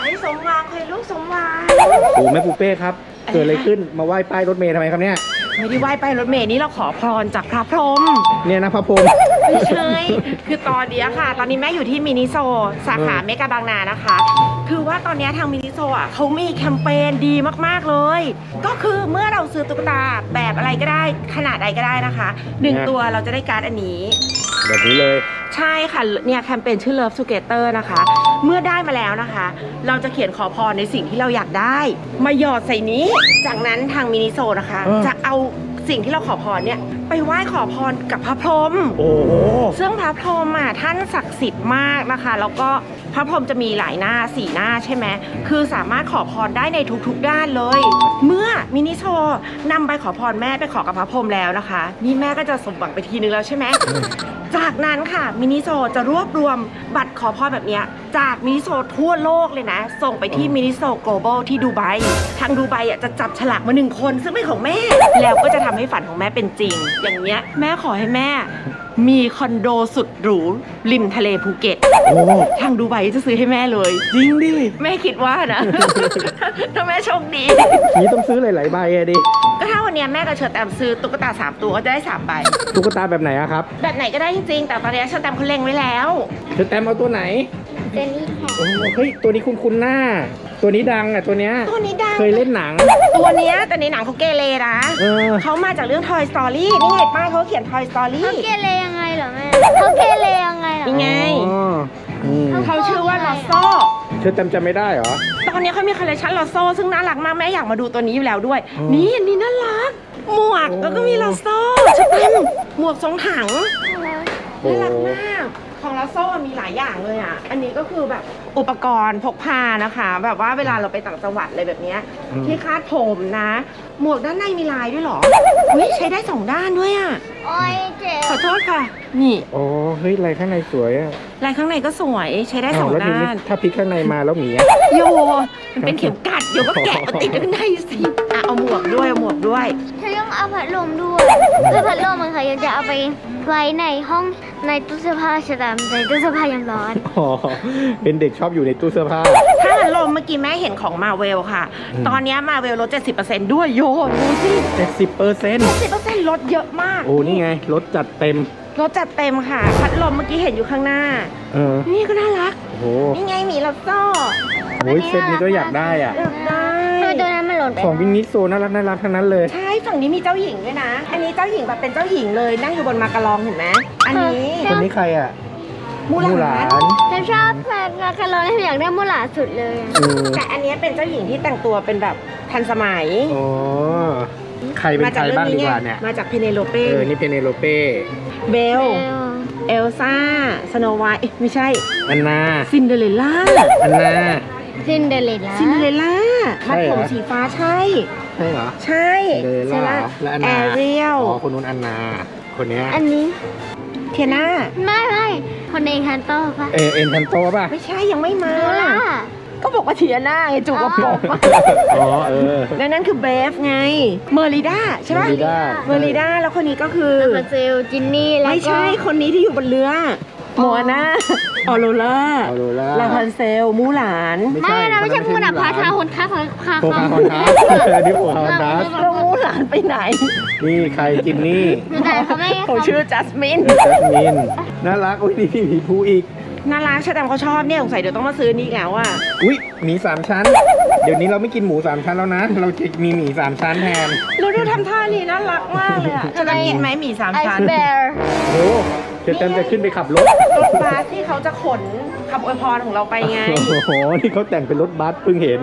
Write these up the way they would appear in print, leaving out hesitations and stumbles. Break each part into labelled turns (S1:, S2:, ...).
S1: ให้สมหวังให้ลูกสมหวัง
S2: โอ้แม่ปูเป้ครับเกิดอะไรขึ้นมาไหว้ป้ายรถเมล์ทำไมครับเนี่ย
S1: ไม่ได้ไหว้ไปรถเมล์นี่เราขอพรจากพระพรหม
S2: เนี่ยนะพระพรหม
S1: ไม่ใช่ คือตอนนี้ค่ะ ตอนนี้แม่อยู่ที่มินิโซสาขาเมกาบางนานะคะ คือว่าตอนนี้ทางมินิโซอ่ะเขามีแคมเปญดีมากๆเลย ก็คือเมื่อเราซื้อตุ๊กตาแบบอะไรก็ได้ขนาดใดก็ได้นะคะ1ตัวเราจะได้การ์ดอันนี้
S2: แบบนี้เลย
S1: ใช่ค่ะเนี่ยแคมเปญชื่อ Love Together นะคะ เมื่อได้มาแล้วนะคะ เราจะเขียนขอพรในสิ่งที่เราอยากได้ มาหยอดใส่นี้ จากนั้นทางมินิโซนะคะ จะเอาสิ่งที่เราขอพรเนี่ยไปไหว้ขอพรกับพระพรหม
S2: โอ้โห
S1: ซึ่งพระพรหมอ่ะท่านศักดิ์สิทธิ์มากนะคะ แล้วก็พระพรหมจะมีหลายหน้า4หน้าใช่ไหมคือสามารถขอพรได้ในทุกๆด้านเลย เมื่อมินิโซนำใบขอพรแม่ไปขอกับพระพรหมแล้วนะคะ นี่แม่ก็จะสมหวังไปทีนึงแล้วใช่ไหม จากนั้นค่ะมินิโซจะรวบรวมบัตรขอพรแบบเนี้ยจากมินิโซทั่วโลกเลยนะ ส่งไปที่มินิโซ global ที่ดูไบทางดูไบอ่ะจะจับฉลากมา1คนซึ่งเป็นของแม่ แล้วก็จะทำให้ฝันของแม่เป็นจริง อย่างเงี้ยแม่ขอให้แม่มีคอนโดสุดหรูริมทะเลภูเก็ต
S2: โอ้
S1: ทางดูไบจะซื้อให้แม่เลย
S2: จริงดิ
S1: แม่คิดว่านะ ถ้าแม่โชคดี
S2: นี่ต้องซื้อหลายๆใบอะดิ
S1: ก็ถ้าวันเนี้ยแม่กับเชอร์แตมซื้อตุ๊กตา3ตัวก็จะได้3ใบ
S2: ตุ๊กตาแบบไหนอะครับ
S1: แบบไหนก็ได้จริงๆแต่ตอนนี้เชอร์แตมเขาเล็งไว้แล้ว
S2: เธอแต้มเอาตัวไหน
S3: เจนนี่ค่ะ
S2: โอ้เฮ้ยตัวนี้คุ้นๆหน้า ตัวนี้ดังอะตัวเนี้ย
S1: ตัวนี้ดัง
S2: เคยเล่นหนัง
S1: ตัวเนี้ยแต่ในหนังเขาเกเรนะ
S2: เออ
S1: เขามาจากเรื่อง Toy Story นี่ไงป้ายเขาเขียน Toy Story
S3: เขาเกเรยังไงเหรอแม่เขาเกเรยังไงเหรอ
S1: นี่ไง
S2: อ๋ออืม
S1: เขาชื่อว่าลอโซ
S2: เธอแต้มจำไม่ได้เหรอ
S1: ตอนนี้เขามีคอลเลคชันลอโซซึ่งน่ารักมากแม่อยากมาดูตัวนี้อยู่แล้วด้วย
S2: อ๋อ
S1: นี่อันนี้น่ารัก หมวก
S2: โอ้
S1: แล้วก็มีลอโซชุดเต็มหมวกทรงถัง
S2: โอ้
S1: น่ารักมาก ของลอโซมีหลายอย่างเลยอ่ะ อันนี้ก็คือแบบอุปกรณ์พกพานะคะ แบบว่าเวลาเราไปต่างจังหวัดอะไรแบบเนี้ยที่คาดผมนะ หมวกด้านในมีลายด้วยเหรออุ๊ยใช้ได้2ด้านด้วยอ่ะ
S3: โอ้ยเจ็บ
S1: ขอโทษค่ะ นี่
S2: โอ้เฮ้ยลายข้างในสวยอะ
S1: ลายข้างในก็สวยใช้ได้
S2: อ้าว
S1: 2
S2: แล้วที
S1: ด้า
S2: นี้
S1: น
S2: ถ้าพลิกข้างในมาแล้วหมีอะ
S1: โยมันเป็นเข็มกัดเดี๋ยวก็แกะมาติดข้างในสิอ่ะเอาหมวกด้วยเอาหมวกด้วย
S3: เธอต้องเอาพัดลมด้วยเพื่อพัดลมมันค่ะยังจะเอาไปไว้ในห้องในตู้เสื้อผ้าใช่ไหมในตู้เสื้อผ้ายังร้อน
S2: อ๋อเป็นเด็กชอบอยู่ในตู้เสื้อผ้า
S1: ถ้าพัดลมเมื่อกี้แม่เห็นของมาเวลค่ะ ตอนนี้มาเวลลด 70%ด้วยโยดูสิ
S2: 70%
S1: 70%ลดเยอะมาก
S2: โอ้นี่ไงรถจัดเต็ม
S1: ลดจัดเต็มค่ะ พัดลมเมื่อกี้เห็นอยู่ข้างหน้า
S2: เออ
S1: นี่ก็น่ารัก
S2: โอ้โห
S1: นี่ไงหมีลับโซ่
S2: โอ้ยเซตนี้ก็อยากได้อ่ะ
S1: อยากได้
S3: ทำไมตัวนั้นมันหล่นไป
S2: ของวินิโซน่ารักน่ารักทั้งนั้นเลย
S1: ใช่ฝั่งนี้มีเจ้าหญิงด้วยนะ อันนี้เจ้าหญิงแบบเป็นเจ้าหญิงเลยนั่งอยู่บนมากระลองเห็นไหมอันนี้
S2: คนนี้ใครอ่ะ
S1: มูหลาน
S3: ฉันชอบแฟนคาร์ลอนอยากได้มูหลาสุดเลยอะ
S2: อืม
S1: แต่อันนี้เป็นเจ้าหญิงที่แต่งตัวเป็นแบบทันสมัย
S2: อ๋อใครเป็นใครบ้างดีกว่าเนี่ย
S1: มาจากเพเนโลเป้
S2: นี่เพเนโลเป้
S1: เบล
S3: เอว
S1: เอลซ่า สโนไวท์ไม่ใช่
S2: อันนา
S1: ซินเดอเรลล่า
S2: อันนา
S3: ซินเดอเรลล่า
S1: ซินเดอเรลล่า
S2: ใช่
S1: มัด
S2: เหรอ
S1: ผมสีฟ้าใช่
S2: ใช่เหรอ
S1: ใช่
S2: เดลล่าและอัน
S1: แอ
S2: นา
S1: เรียล
S2: อ๋อคนนู้นอันนา คนเนี้ย
S3: อันนี้
S1: เทียนา
S3: ไม่คนในคันโต้ปะ
S2: เอ็นทันโตป่ะ
S1: ไม่ใช่ยังไม่มา
S3: มูหลา
S1: ก็บอกว่าเทียนาไงจูกระปอก
S2: อ๋อเออ
S1: และนั่นคือเบฟไง เมอริด้าใช่ปะ
S2: Merida
S1: เมอริด้าแล้วคนนี้ก็คือ
S3: ลาบันเซลจินนี่แล้วก็
S1: ไม่ใช่คนนี้ที่อยู่บนเรือโมอาน่าออโรล่า
S2: ออโรล่า
S1: ลาพันเซล มูหลาน
S3: ไม่นะไม่ใช่มูหลาพาชาคนค้า
S2: โคคาคอนทัสนี่โคคาคอนทัส
S1: แล้วมูหลานไปไหน
S2: นี่ใครจินนี่
S3: แต่เขาไม่
S1: เขาชื่อจัสมิน
S2: จัสมินน่ารักโอ้ยนี่พี่หมีภูอีก
S1: น่ารักชาแตมเขาชอบเนี่ยสงสัยเดี๋ยวต้องมาซื้อนี่อีกแล้วอ่ะ
S2: อุ้ยหมี3 ชั้น เดี๋ยวนี้เราไม่กินหมู3 ชั้นแล้วนะ เราจะมีหมี3 ชั้นแทน
S1: แล้วดูทำท่านี่น่ารักมากเลยอ่ะจะได้กินไหมหมี่สาม
S3: ไอ
S1: ชั้น
S3: ซ์แบร์
S2: โอ้เจะเต็มจะขึ้นไปขับรถ
S1: รถบัสที่เขาจะขนคำอวยพรของเราไปไง
S2: โอ้โห นี่เขาแต่งเป็นรถบัสเพิ่งเห็น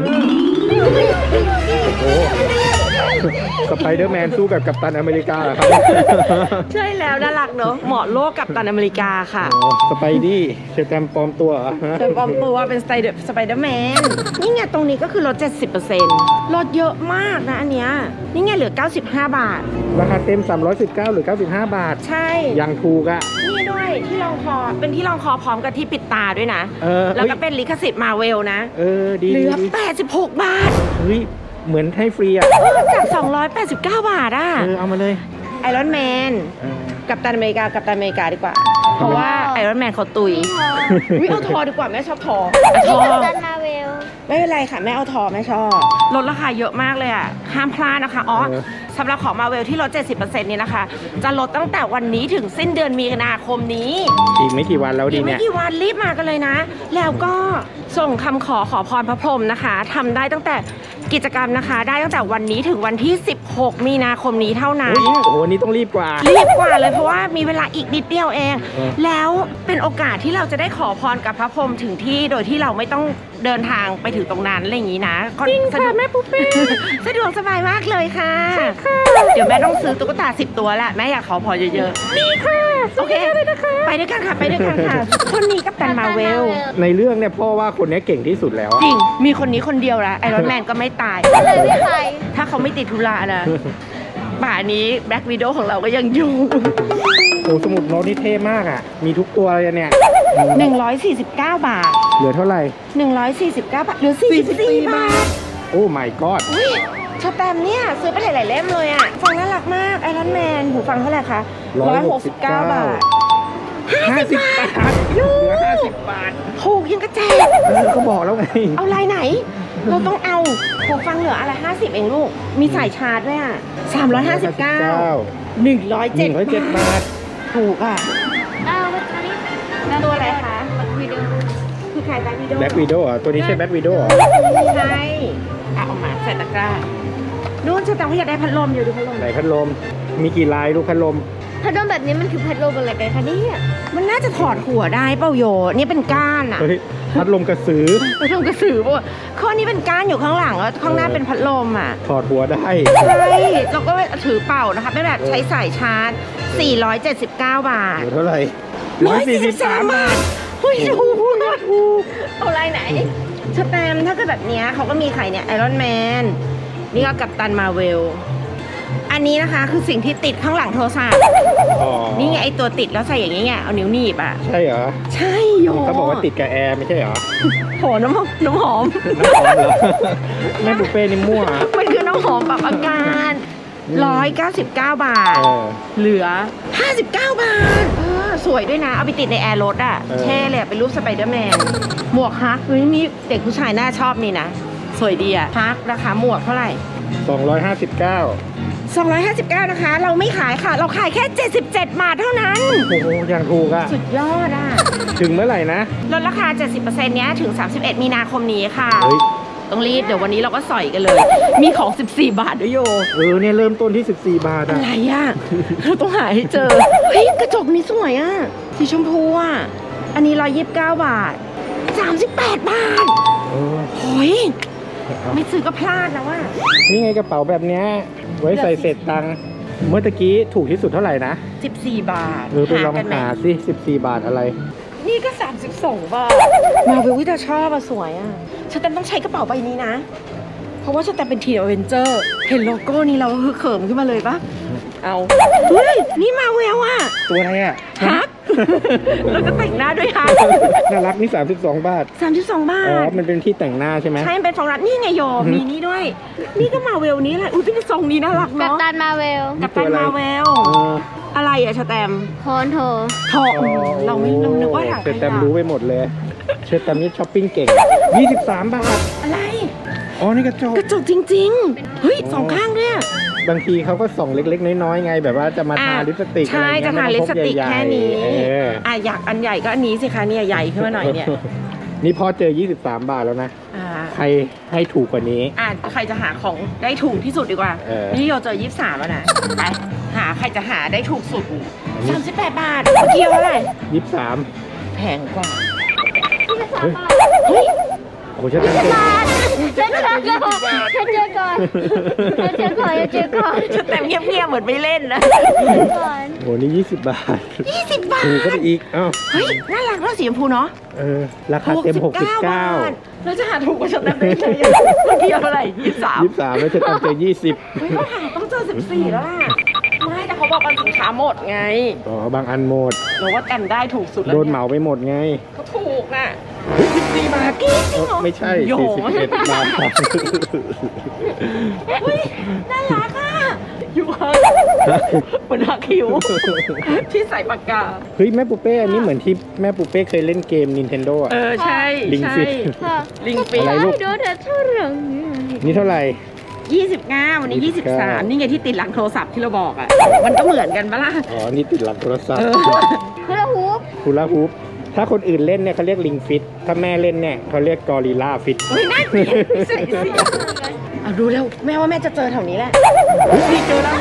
S2: โอ้โหสไปเดอร์แมนสู้กับกัปตันอเมริกาเหรอครับ
S1: ใช่แล้วน่ารักเนอะเหมาะโลกกับตันอเมริกาค่ะ
S2: โอ้สไปดี้เชอร์แตมปลอมตัวเหรอฮะ
S1: เป็นปลอมตัวเป็นสไปเดอร์แมนนี่ไงตรงนี้ก็คือลด 70%ลดเยอะมากนะอันเนี้ยนี่ไงเหลือ 95 บาท
S2: ราคาเต็ม 319 หรือ 95 บาท
S1: ใช่
S2: ยังถูกอ่ะ
S1: นี่ด้วยที่รองคอเป็นที่รองคอพร้อมกับที่ปิดตาด้วยนะ
S2: เออ
S1: แล้วก็เป็นลิขสิทธิ์มาเวลนะ
S2: เออ ดี
S1: เหลือ
S2: ดี
S1: 86 บาท
S2: เฮ้ย เหมือนให้ฟรีอ่ะ
S1: จาก 289 บาทอ่ะ
S2: เอามาเลย
S1: ไอรอนแมน
S2: เออ
S1: กับตันอเมริกากับตันอเมริกาดีกว่า เพราะว่าไอรอนแมนเขาตุยวิเอาทอดีกว่าแม่ชอบทอ
S3: นี่
S1: ทอ
S3: กัปตันมาเวล
S1: ไม่เป็นไรค่ะแม่เอาทอแม่ชอบลดราคาเยอะมากเลยอ่ะห้ามพลาดนะคะอ๋อสำหรับของมาเวลที่ลด 70% นี้นะคะจะลดตั้งแต่วันนี้ถึงสิ้นเดือนมีนาคมนี้
S2: อีกไม่กี่วันแล้ว
S1: อี
S2: ดี
S1: กไม่
S2: เนี่ย
S1: กี่วันรีบมากันเลยนะ แล้วก็ส่งคำขอพรพระพรหมนะคะทำได้ตั้งแต่กิจกรรมนะคะ ได้ตั้งแต่วันนี้ถึงวันที่ 16 มีนาคมนี้เท่านั้น
S2: โอ้โหอันนี้ต้องรีบกว่า
S1: รีบกว่าเลยเพราะว่ามีเวลาอีกนิดเดียวเอง
S2: เออ
S1: แล้วเป็นโอกาสที่เราจะได้ขอพรกับพระพรหมถึงที่โดยที่เราไม่ต้องเดินทางไปถึงตรงนั้นอะไรอย่างนี้นะจริงค่ะแม่ปุ๊บเป้สะดวกสบายมากเลยค่ะใช่ค่ะเดี๋ยวแม่ต้องซื้อตุ๊กตา10 ตัวแหละแม่อยากขอพรเยอะๆนี่ค่ะโอเคไปด้วยกันค่ะไปด้วยกันค่ะคนนี้กัปตันมาเวล
S2: ในเรื่องเนี่ยพ่อว่าคนนี้เก่งที่สุดแล้ว
S1: จริงมีคนนี้คนเดียวละไอรอนแมนก็ไม่ตาย
S3: เลยไม่ไป
S1: ถ้าเขาไม่ติดธุระนะป่านี้แบล็กวิดโอของเราก็ยังอยู่
S2: โอ้สมุดโน้ตนี่เท่มากอ่ะมีทุกตัวเลยเนี่ย
S1: 149 บาท
S2: เหลือเท่าไหร่
S1: 149 บาทเหลือ44 บาท
S2: โอ้ my god
S1: อุ้ยชาแตมเนี่ยซื้อไปหลายๆเล่มเลยอ่ะ ฟังน่ารักมากไอรอนแมนหูฟังเท่าไหร่คะ169 บาท
S2: 50 บาทเหลือ50 บาท
S1: ถูกยังกระแจก
S2: ก็บอกแล้วไง
S1: เอาลายไหน เราต้องเอาหูฟังเหลืออะไร50 เองลูก มีสายชาร์จด้วยอ่ะ359 107
S2: บาท
S1: ถูกอ่ะ
S3: เอาไปตอนนี้
S1: ตัวอะไรคะ
S3: วิดีโอ
S1: คือใครแบ็ควิดโอ
S2: แบ็กวีโดอ่ะตัวนี้ใช่แบ็กวีโดอ่ะ
S1: ใช่เอามาใส่ตะกร้านู่นชาแตมเขาอยากได้พัดลมอยู่ดูพัดลม
S2: ไหนพัดลม มีกี่ลายลูกพัดลม
S3: พัดลมแบบนี้มันคือพัดลมอะไรกันคะเนี่ย
S1: มันน่าจะถอดหัวได้เปล่าโยนี่เป็นก้านอ่ะ
S2: เฮ้ย พัดลมกระสือ
S1: พัดลมกระสือป่ะข้อนี้เป็นก้านอยู่ข้างหลังแล้วข้างหน้าเป็นพัดลมอ่ะ
S2: ถอดหัวได้
S1: ใช่เราก็ถือเป่านะคะเป็นแบบใช้สายชาร์จ 479 บาท
S2: เหลือเท่าไหร่
S1: 143 บาทเฮ้ยถูกนะถูกเอาลายไหนสแตมป์ถ้าเกิดแบบเนี้ยเขาก็มีขายเนี่ยไอรอนแมนนี่ก็กัปตันมาเวลอันนี้นะคะคือสิ่งที่ติดข้างหลังโทรศัพท์
S2: อ๋อ
S1: นี่ไงไอตัวติดแล้วใส่อย่างนี้ไงเอานิ้วหนีบอ่ะ
S2: ใช่เหรอ
S1: ใช่โย
S2: เขาบอกว่าติดกับแอร์ไม่ใช่เหรอ
S1: โหน้ำหอม
S2: น้ำหอมเหรอ แม่บุฟเฟ่นี่มั่ว
S1: มันคือน้ำหอมปรับอาการ199 บาท
S2: เออ
S1: เหลือ 59 บาทสวยด้วยนะ เอาไปติดในแอร์รถอ่ะ
S2: เออ
S1: แช่เลยอะเป็นรูปสไปเดอร์แมน หมวกฮักเฮ้ยนี่เด็กผู้ชายน่าชอบนี่นะ สวยดีอะฮักนะคะหมวกเท่าไหร่
S2: 259
S1: 259 นะคะ เราไม่ขายค่ะ เราขายแค่ 77 บาทเท่านั้น
S2: โอ้โหอย่างถูกอ่ะ
S1: สุดยอดอ่ะ
S2: ถึงเมื่อไหร่นะ
S1: ลดราคา 70%เนี้ยถึง 31 มีนาคมนี้ค่ะ
S2: เฮ้ย
S1: ต้องรีบเดี๋ยววันนี้เราก็สอยกันเลย มีของ 14 บาทด้วยโย
S2: เนี่ยเริ่มต้นที่ 14 บาท
S1: อะ
S2: อ่ะ
S1: ไรอ่ะ เราต้องหาให้เจอ เฮ้ย กระจกนี้สวยอ่ะ สีชมพูอ่ะ อันนี้129 บาท 38 บาท
S2: เออ
S1: โอ้ยไม่ซื้อก็พลาดแล้วว่ะ
S2: นี่ไงกระเป๋าแบบเนี้ยไว้ใส่เศษตังค์เมื่อตะกี้ถูกที่สุดเท่าไหร่นะ
S1: 14 บาท
S2: ไปลอง
S1: กันไหม
S2: หาสิ14 บาทอะไร
S1: นี่ก็ 32 บาท มาเวลวิตาชอบอ่ะ สวยอ่ะฉันต้องใช้กระเป๋าใบนี้นะ เพราะว่าฉันเป็นทีมอเวนเจอร์ เห็นโลโก้นี้เราคือเขิมขึ้นมาเลยปะเอา เฮ้ย นี่มาเวลอ่ะ
S2: ตัวอะไรอ่ะ
S1: ฮัก แล้วก็แต่งหน้าด้วยฮัก
S2: น่ารักนี่32 บาท
S1: 32 บา
S2: อ๋อ
S1: ท
S2: มันเป็นที่แต่งหน้าใช่ไหม
S1: ใช่มันเป็นฟองรัดนี่ไงโย มีนี่ด้วย นี่ก็มาเวลนี้แหละ อุ้ยเป็นทรงนี้น่ารัก
S3: กัป
S1: เนาะ
S3: ตันมาเวล
S1: กับตันมาเวล
S2: เออ
S1: อะไรอะชาแตม
S3: โคนโถ
S1: ทองเราไม่เรานึกว่าถัง
S2: เชอ
S1: ข
S2: ร์แตม
S1: ยะ
S2: รู้ไปหมดเลย เชอร์แตมนี่ช้อปปิ้งเก่ง 23 บาท
S1: อะไร
S2: อ๋อ นี่กระจก
S1: กระจกจริง ๆ เฮ้ยสองข้างด้วยอะ
S2: บางทีเขาก็ส่องเล็กๆ น้อยๆ ไง แบบว่าจะมาทาลิปสติก
S1: ใช่
S2: อะไรเงี้ย
S1: จะทาลิปสติก
S2: ไม่ต้องพกใหญ่ๆ
S1: แค่นี้
S2: เออ
S1: อยากอันใหญ่ก็อันนี้สิคะเนี่ยใหญ่ขึ้นมาหน่อยเนี่ย
S2: นี่พอเจอ 23 บาทแล้วนะ
S1: อ่า
S2: ใครให้ถูกกว่านี้
S1: ใครจะหาของได้ถูกที่สุดดีกว่า
S2: เออ
S1: นี่โยเจอ23แล้วนะ ไป หาใครจะหาได้ถูกสุด 38 บาท เมื่อกี้เท่าไหร่
S2: 23
S1: แพงกว่า
S2: เฮ้ย
S1: เฮ้ย
S2: โอ้เชอร์แตมเก่ง
S3: ฉันเจอก่อนฉันเจอก่อนฉันเจอก่อนฉันเจอก่อน
S1: ชุดเต็มเงียบๆเหมือนไม่เล่นนะ
S3: ก่อน
S2: โหนี่20 บาท
S1: 20 บาท
S2: ถูกก็ไปอีกอ้าว
S1: เฮ้ย น่ารักแล้วสีชมพูเนาะ
S2: เออ ราคาเต็ม
S1: บาท
S2: 69
S1: เราจะหาถูกกว่าชุดเต็มได้ไงเมื่อกี้เท่าไหร่23
S2: 23 แล้วเชอร์แตมเจอ 20
S1: เฮ้ยเขาหาต้องเจอ14แล้วล่ะ ไม่แต่เขาบอกว่าสินค้าหมดไง
S2: อ๋อบางอันหมด
S1: เราว่าแตมได้ถูกสุดแล้ว
S2: โดนเหมาไปหมดไง
S1: เขาถูกน่ะ14 บาทจริงเหรอ
S2: ไม่ใช่
S1: โย
S2: 41 บาท
S1: เฮ้ยน่ารักอ่ะอยู่ข้างบนหักคิ้วที่ใส่ปากกา
S2: เฮ้ยแม่ปูเป้อันนี้เหมือนที่แม่ปูเป้เคยเล่นเกม Nintendo อ่ะ
S1: ใช่
S2: ลิง
S1: ใช่
S2: ฟิต
S3: ค่ะ
S1: ลิงฟิต
S2: อะไรลูก
S3: โดนแต่เท่าไหร่
S2: นี่เท่าไหร่
S1: 29 วันนี้
S2: 29
S1: 23 นี่ไงที่ติดหลังโทรศัพท์ที่เราบอกอ่ะ มันก็เหมือนกันปะล่ะ
S2: อ๋อ นี่ติดหลังโทรศัพท์
S3: คือละฮูป
S2: ฮูลาฮูปถ้าคนอื่นเล่นเนี่ยเขาเรียกลิงฟิต ถ้าแม่เล่นเนี่ยเขาเรียกกอริลลาฟิต
S1: เฮ้ยน่าเกลียดใส่สิเอาดูแล้วแม่ว่าแม่จะเจอแถวนี้แหละนี่เจอแล้ว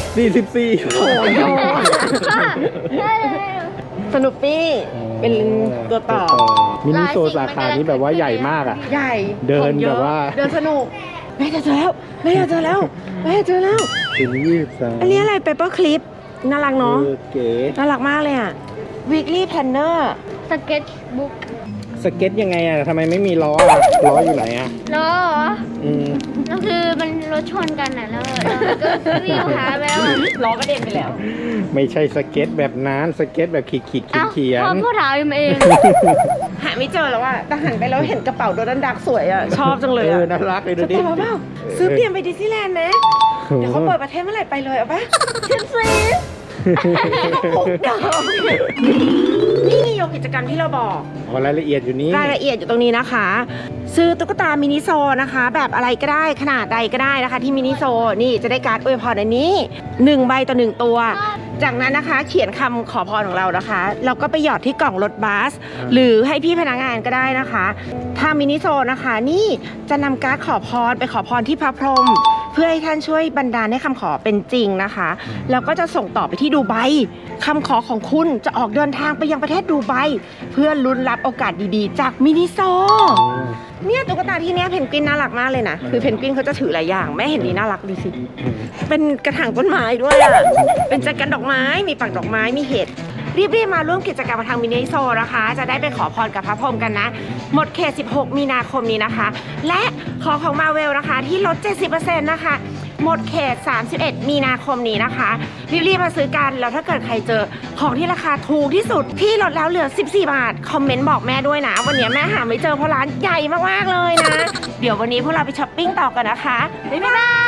S2: 44
S1: โอ้ย
S3: ได้เลย
S1: สนุปปี้เป็นตัวต่อ
S2: มินิโซสาขานี้แบบว่าใหญ่มากอ่ะ
S1: ใหญ่
S2: เดิน
S1: ของยอะ
S2: แบบว่า
S1: เดินสนุกแม่จะเจอแล้วแม่จะเจอแล้วแม่จะเจอแล้ว
S2: ถึง23
S1: อันนี้อะไรเปเปอร์คลิปน่ารักเนาะ
S2: เก๋
S1: น่ารักมากเลยอ่ะ weekly planner
S3: สเก็ตบุ๊ก
S2: สเก็ตยังไงอ่ะทำไมไม่มีล้ออ่ะล้ออยู่ไหนอ่ะ
S3: ล้อเหรอ
S2: อืม
S3: แล้วคือมันรถชนกันน่ะแล้วก็วิ่งหาแล้วอะ
S1: ล้อกระเด็นไปแล้ว
S2: ไม่ใช่สเก็ตแบบนั้นสเก็ตแบบขีดขีด
S3: เอ้า
S2: เขีย
S3: พ่อน พูดถามเอง
S1: หาไม่เจอแล้วอ่ะแต่หันไปแล้วเห็นกระเป๋าโดนัลด์ดักสวยอ่ะ ชอบจังเลยอ่ะ
S2: น่ารักเลยดู
S1: จะ
S2: ดิ
S1: ไปมาเปล่าซื้อเตรียมไปดิสนีย์แลนด์ไหมเดี๋ยวเขาเปิดประเทศเมื่อไหร่ไปเลยเอาปะชิมซีพกดอกนี่ไงโยกิจกรรมที่เราบอก
S2: อ๋อรายละเอียดอยู่นี้
S1: รายละเอียดอยู่ตรงนี้นะคะ ซื้อตุ๊กตามินิโซนะคะ แบบอะไรก็ได้ขนาดใดก็ได้นะคะ ที่มินิโซนี่จะได้การ์ดอวยพรอันนี้1ใบต่อ1ตัว จากนั้นนะคะเขียนคำขอพรของเรานะคะแล้วก็ไปหยอดที่กล่องรถบัสหรือให้พี่พนักงานก็ได้นะคะถ้ามินิโซนะคะนี่จะนำการ์ดขอพรไปขอพรที่พระพรหมเพื่อให้ท่านช่วยบันดาลให้คำขอเป็นจริงนะคะแล้วก็จะส่งต่อไปที่ดูไบคำขอของคุณจะออกเดินทางไปยังประเทศดูไบเพื่อลุ้นรับโอกาสดีๆ จากมินิโซ เนี่ยตุ๊กตาที่เนี้ยเพนกวินน่ารักมากเลยนะคือเพนกวินเขาจะถือหลายอย่างแม่เห็นดีน่ารักดูสิเป็นกระถางต้นไม้ด้วยอ่ะเป็นแจกันดอกไม้มีปักดอกไม้มีเห็ดรีบๆมาร่วมกิจกรรมทางมินิโซนะคะ จะได้ไปขอพรกับพระพรหมกันนะ หมดเขต 16 มีนาคมนี้นะคะ และของมาเวลนะคะที่ลด 70% นะคะ หมดเขต 31 มีนาคมนี้นะคะ รีบๆมาซื้อกัน แล้วถ้าเกิดใครเจอของที่ราคาถูกที่สุดที่ลดแล้วเหลือ 14 บาท คอมเมนต์บอกแม่ด้วยนะ วันนี้แม่หาไม่เจอเพราะร้านใหญ่มากๆเลยนะ เดี๋ยววันนี้พวกเราไปช้อปปิ้งต่อกันนะคะ บ๊ายบาย